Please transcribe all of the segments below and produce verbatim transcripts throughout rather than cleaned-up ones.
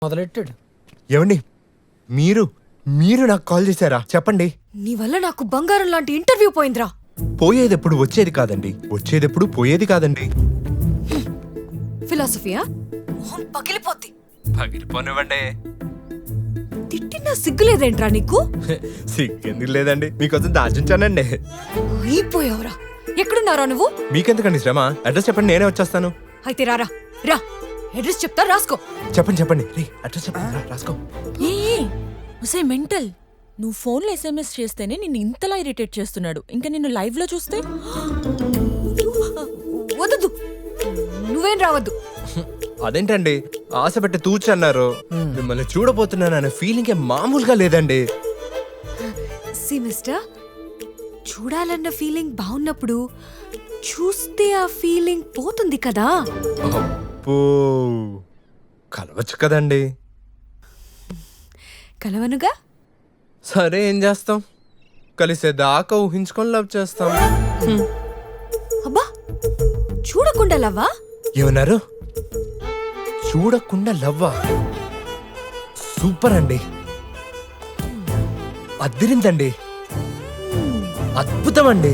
మొదలెట్టాడు. ఏమండి మీరు మీరు నాకు కాల్ చేశారా? చెప్పండి. నీ వల్ల నాకు బంగారం లాంటి ఇంటర్వ్యూ పోయిందిరా. పోయేదెప్పుడు వచ్చేది కాదండి, వచ్చేదెప్పుడు పోయేది కాదండి. ఫిలాసఫియా? మొహం పగిలిపోద్ది. పగిలిపోనివ్వండి. తిట్టినా సిగ్గులేదేంట్రా నీకు? సిగ్గెందుకు లేదండి, మీకోసం దాచుంచానండి. అయిపోయావురా. ఎక్కడున్నారా నువ్వు? మీకెందుకండి శ్రమ? అడ్రస్ చెప్పండి, నేనే వచ్చేస్తాను. అయితే రారా రా. అడ్రస్ చెప్తా, రాసుకో. చెప్పండి చెప్పండి రే అడ్రస్ చెప్పండి, రా, రాసుకో. ఏ మెంటల్, నువ్వు ఫోన్లో ఎస్ఎంఎస్ చేస్తేనే నిన్ను ఇంతలా ఇరిటేట్ చేస్తున్నాడు. ఇంకా నిన్ను లైవ్ లో చూస్తే వద్దు, నువ్వేం రావద్దు. అదేంటండి ఆశ పెట్టి తూచన్నారు. మిమ్మల్ని చూడబోతున్నాను అనే ఫీలింగ్ మామూలుగా లేదండి. సి మిస్టర్, చూడాలన్న ఫీలింగ్ బాగున్నప్పుడు చూస్తే ఆ ఫీలింగ్ పోతుంది కదా. అబ్బో, కలవచ్చు కదండి. కలవనుగా. సరే ఏం చేస్తాం, కలిసేదాకా ఊహించుకొని లవ్ చేస్తాం. అబ్బా, చూడకుండా లవ్వా? ఏమన్నారు? చూడకుండా లవ్వా? సూపర్ అండి, అద్దిరిందండి, అద్భుతం అండి.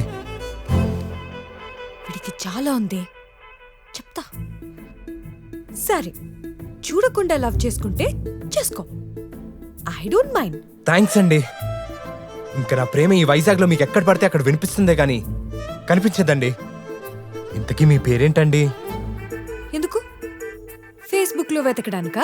వీడికి చాలా ఉంది, చెప్తా. సరే, చూడకుండా లవ్ చేసుకుంటే చేసుకో, ఐ డోంట్ మైండ్. థ్యాంక్స్ అండి. ఇంకా నా ప్రేమ ఈ వైజాగ్లో మీకు ఎక్కడ పడితే అక్కడ వినిపిస్తుందే గానీ కనిపించదండి. ఇంతకీ మీ పేరేంటండి? ఎందుకు? ఫేస్బుక్ లో వెతకడానికా?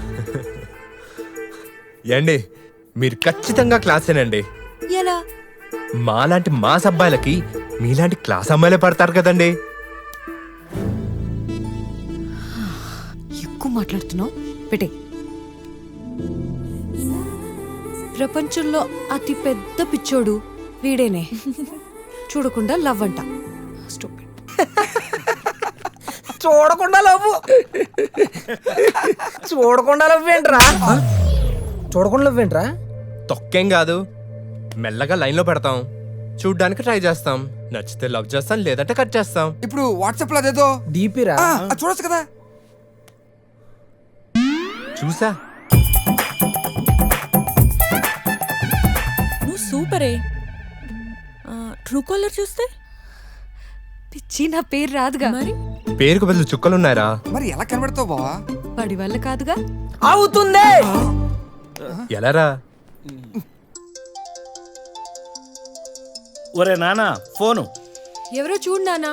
ఏండి మీరు ఖచ్చితంగా క్లాసేనండి. ఎలా? మాలాంటి మాస్ అబ్బాయిలకి మీలాంటి క్లాస్ అమ్మాయిలే పడతారు కదండి. ఎక్కువ మాట్లాడుతున్నావు, పెట్టే. ప్రపంచంలో అతి పెద్ద పిచ్చోడు వీడేనే. చూడకుండా లవ్ అంట. Stupid. చూడకుండా లవ్వు చూడకుండా లవ్ ఏంట్రా? చూడకుండా లవ్ ఏంట్రా? తొక్కేం కాదు, మెల్లగా లైన్లో పెడతాం, చూడ్డానికి ట్రై చేస్తాం, నచ్చితే లవ్ చేస్తాం, లేదంటే కట్ చేస్తాం. ఇప్పుడు వాట్సాప్ లో అదేదో డీపీరా చూడొచ్చు కదా. చూసా. నువ్వు సూపరే. ట్రూ కాలర్ చూస్తే పిచ్చి, నా పేరు రాదుగా. మరి పేరుకు బదులు చుక్కలున్నారా? మరి ఎలా కనబడతావు బావా? వాడి వల్ల కాదుగా. అవుతుంది. ఎలారా? ఒరే నానా ఫోను. ఎవరో చూడు నానా.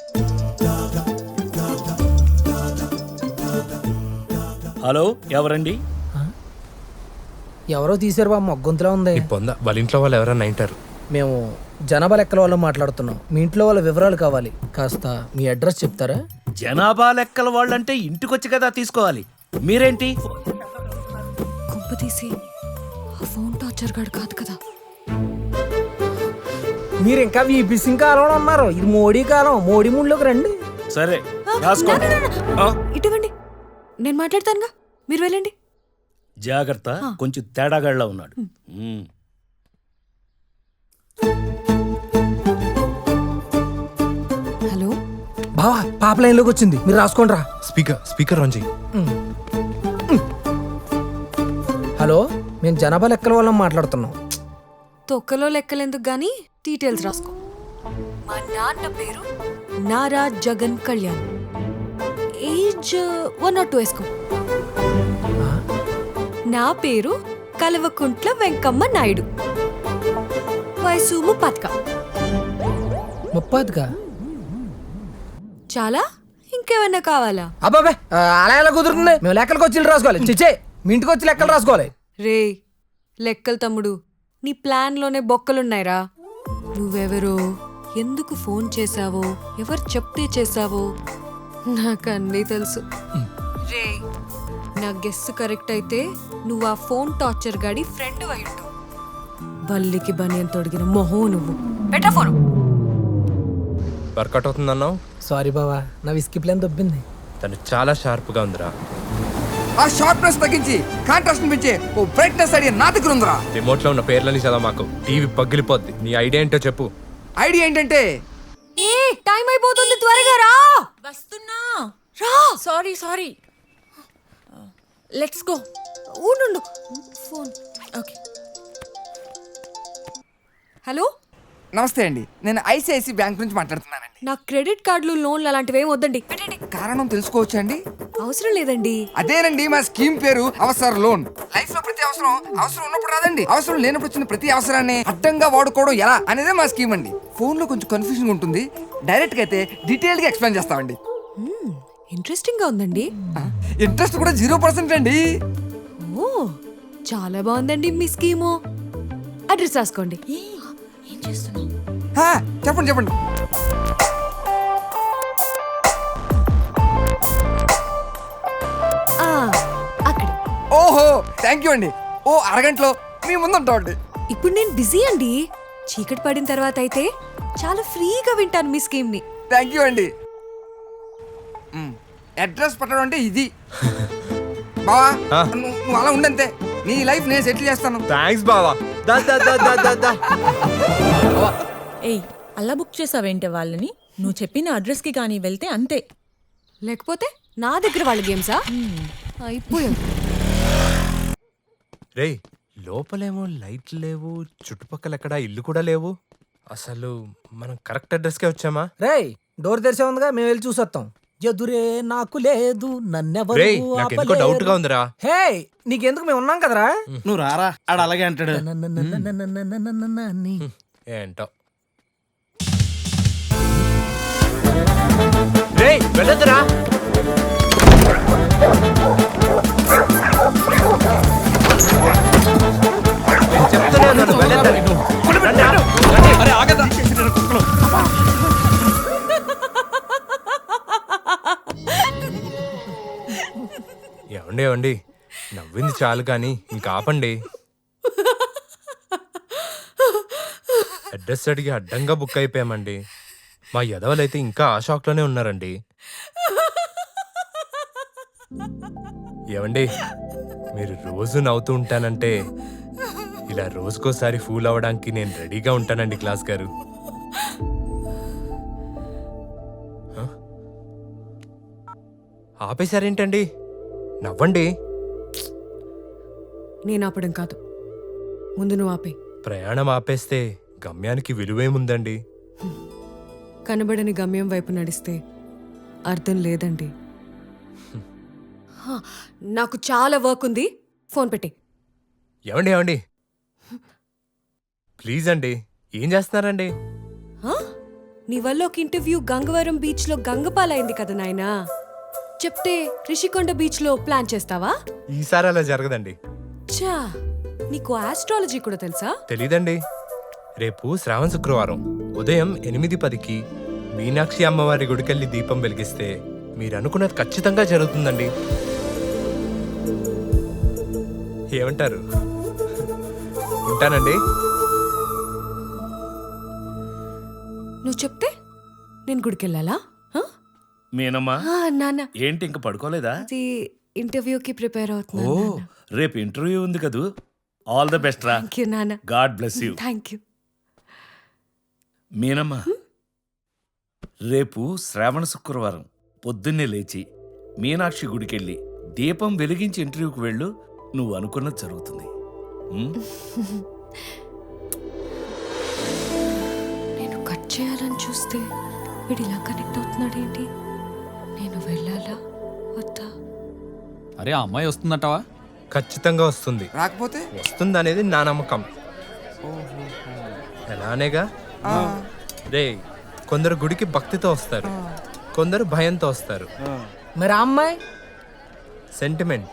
హలో, ఎవరండి? ఎవరో తీసారు బా, మొగ్గొంతులా ఉంది. ఈ పొంద వాళ్ళ ఇంట్లో వాళ్ళు ఎవరన్నా ఇంటారు. మేము జనాభా లెక్కల వాళ్ళు మాట్లాడుతున్నాం. మీ ఇంట్లో వాళ్ళ వివరాలు కావాలి. కాస్త మీ అడ్రస్ చెప్తారా? జనాభా లెక్కల వాళ్ళంటే ఇంటికొచ్చి కదా తీసుకోవాలి. మీరేంటి? కుంప తీసి ఆ ఫోన్ టార్చర్ గాడు కాదు కదా. మీరు ఇంకా వీపీసింగ్ కాలంలో ఉన్నారు. ఇది మోడీ కాలం. మోడీ ముందులోకి రండి. సరే ఆ, రాసుకో. నా, నా, నా, నా. ఆ? ఇటువంటి నేను మాట్లాడతానుగా, మీరు వెళ్ళండి. జాగ్రత్త, కొంచెం తేడాగాళ్ళ ఉన్నాడు. ఉమ్. హలో బావా, పాప లైన్లోకి వచ్చింది, మీరు రాసుకోండి రా. స్పీకర్ స్పీకర్ ఆన్ చెయ్యి. హలో, మేము జనాభా లెక్కల వాళ్ళం మాట్లాడుతున్నాం. తొక్కలో లెక్కలెందుకు గానీ డీటెయిల్స్ రాసుకో. మా నాన్న పేరు Nara Jagan Kalyan. Age one nought two వేసుకో. నా పేరు కలవకుంట్ల వెంకమ్మ నాయుడు. వయసు ముప్పతిక. ముప్పదిగా? చాలా? ఇంకేమన్నా కావాలా? అబ్బాబే, అలా ఎలా కుదురుతుంది? మేము లెక్కలకు వచ్చి రాసుకోవాలి. చిచ్చే, మీ ఇంటికి వచ్చి లెక్కలు రాసుకోవాలి. రే లెక్కలు తమ్ముడు, నీ ప్లాన్లోనే బొక్కలున్నాయిరా. నువ్వెవరో, ఎందుకు ఫోన్ చేశావో, ఎవరు చెప్తే చేశావో నాకు అన్నీ తెలుసు. రే నా గెస్ కరెక్ట్ అయితే నువ్వు ఆ ఫోన్ టార్చర్ గాడి ఫ్రెండ్ అయ్యుంటావు. బల్లికి బనియన్ తొడిగిన మొహం నువ్వు. పెట్ట ఫోను. వర్కౌట్ అవుతుందన్నావు. సారీ బావా, నా విస్కీ ప్లాన్ దొబ్బింది. తను చాలా షార్ప్గా ఉందిరా. ఆ షార్ప్నెస్ తగ్గించి కాంట్రాస్ట్ పెంచే ఓ బ్రైట్నెస్ ఐడియా నా దగ్గర ఉందిరా. రిమోట్ లో ఉన్న పేర్లని చదవ, మాకు టీవీ పగిలిపోద్ది. నీ ఐడియా ఏంటో చెప్పు. ఐడియా ఏంటంటే, ఏ టైం అయిపోతుంది, త్వరగా రా. వస్తున్నా. రా. Sorry sorry let's go. ఉండు ఫోన్. ఓకే. హలో, నమస్తే అండి, నేను ఐసిఐసి బ్యాంక్ నుంచి మాట్లాడుతున్నానండి. నాకు క్రెడిట్ కార్డులు లోన్లు అలాంటివి ఏమి వద్దండి. కారణం తెలుసుకోవచ్చా అండి? అవసరం లేదండి. అదేనండి మా స్కీమ్ పేరు అవసర లోన్. లైఫ్ లో ప్రతి అవసరం అవసరం ఉన్నప్పుడు రాదండి, అవసరం లేనప్పుడు వచ్చిన ప్రతి అవసరాన్ని అడ్డంగా వాడుకోవడం ఎలా అనేదే మా స్కీమ్ అండి. ఫోన్ లో కొంచెం కన్ఫ్యూజన్ ఉంటుంది, డైరెక్ట్ గా అయితే డీటెయిల్ గా ఎక్స్ప్లెయిన్ చేస్తామండి. ఇంట్రెస్టింగ్ గా ఉందండి. ఇంట్రెస్ట్ కూడా జీరో పర్సెంట్ అండి. ఓ, చాలా బాగుందండి మీ స్కీము. అడ్రస్ రాసుకోండి. ఏ, ఏం చేస్తున్నావు? హా, చెప్పండి చెప్పండి. ఆ, అక్కడ. ఓహో, థ్యాంక్ యూ అండి. ఓ అరగంటలో మీ ముందు ఉంటామండి. ఇప్పుడు నేను బిజీ అండి. చీకటి పడిన తర్వాత అయితే చాలా ఫ్రీగా వింటాను మీ స్కీమ్ ని. థ్యాంక్ యూ అండి. మ్, అడ్రస్ పెట్టడం అంటే ఇది. బావా, ఆ. నువ్వు నువ్వు అలా ఉండంతే, నీ లైఫ్ నేను సెటిల్ చేస్తాను. థ్యాంక్స్ బావా. దా దా దా దా దా దా. ఏయ్, అలా బుక్ చేసావేంటే వాళ్ళని? నువ్వు చెప్పిన అడ్రస్కి కానీ వెళ్తే అంతే. లేకపోతే నా దగ్గర వాళ్ళ గేమ్సా? అయిపోయాం. రేయ్, లోపలేమో లైట్లు లేవు, చుట్టుపక్కల ఎక్కడ ఇల్లు కూడా లేవు. అసలు మనం కరెక్ట్ అడ్రస్కే వచ్చామా? రేయ్, డోర్ తెరిచే ఉందిగా, మేము వెళ్ళి చూసొస్తాం. ఎదురే నాకు లేదు, నన్నెవరు రేయ్, నాకు ఎందుకో ఆపలేరు. డౌట్ గా ఉందిరా. హే, నీకెందుకు మేము ఉన్నాం కదరా. నువ్వు రారా, ఆడు అలాగే అంటాడు. నన్నన్నన్నన్నన్నన్నన్నన్ని. ఏంటో. రేయ్, వెళ్ళొద్దురా. నేను చెప్తూనే ఉన్నాను, వెళ్ళొద్దని. రండి, రండి. ఏమండి ఏమండి, నవ్వింది చాలు కానీ ఇంకా ఆపండి. అడ్రస్ అడిగి అడ్డంగా బుక్ అయిపోయామండి. మా యదవలైతే ఇంకా ఆ షాక్లోనే ఉన్నారండి. ఏమండి, మీరు రోజు నవ్వుతూ ఉంటానంటే ఇలా రోజుకోసారి ఫూల్ అవ్వడానికి నేను రెడీగా ఉంటానండి క్లాస్ గారు. హ? ఆపేశారేంటండి? నవ్వండి. నేను ఆపడం కాదు, ముందు నువ్వు ఆపే. ప్రయాణం ఆపేస్తే గమ్యానికి విలువేముందండి? కనబడని గమ్యం వైపు నడిస్తే అర్థం లేదండి. హా, నాకు చాలా వర్క్ ఉంది, ఫోన్ పెట్టి. ఏమండి ఏమండి ప్లీజ్ అండి, ఏం చేస్తున్నారండి? హా? నీ వల్ల ఒక ఇంటర్వ్యూ గంగవరం బీచ్ లో గంగపాలైంది కదా నాయనా. చెప్తే రిషికొండ బీచ్ లో ప్లాన్ చేస్తావా? ఈసారి అలా జరగదండి. చా, నీకు ఆస్ట్రాలజీ కూడా తెలుసా? తెలీదండి. రేపు శ్రావణ శుక్రవారం ఉదయం ఎనిమిది పదికి మీనాక్షి అమ్మవారి గుడికెళ్ళి దీపం వెలిగిస్తే మీరు అనుకున్నది ఖచ్చితంగా జరుగుతుందండి. ఏమంటారు? ఉంటానండి. నువ్వు చెప్తే నేను గుడికెళ్ళాలా? హా? మీనమ్మా, ఆ, నాన్న, ఏంటి ఇంక పడుకోలేదా? అది ఇంటర్వ్యూకి ప్రిపేర్ ఓ, అవుతున్నాను నాన్న. రేపు ఇంటర్వ్యూ ఉంది కదూ. ఆల్ ద బెస్ట్ రా. థ్యాంక్ యూ నాన్న. God bless you. Thank you. మీనమ్మా, రేపు శ్రావణ శుక్రవారం పొద్దున్నే లేచి మీనాక్షి గుడికెళ్ళి దీపం వెలిగించి ఇంటర్వ్యూకి వెళ్ళు. నువ్వు అనుకున్నది జరుగుతుంది. ఉమ్? నేను కట్ చేయాలని చూస్తే వీడు ఇలా కనెక్ట్ అవుతున్నాడు ఏంటి? నేను వెళ్ళాలా వద్దా? అరే, ఆ అమ్మాయి వస్తుందంటావా? ఖచ్చితంగా వస్తుంది. రాకపోతే వస్తుంది అనేది నా నమ్మకం. ఎలానేగా రే, కొందరు గుడికి భక్తితో వస్తారు, కొందరు భయంతో వస్తారు. మరి ఆ అమ్మాయి సెంటిమెంట్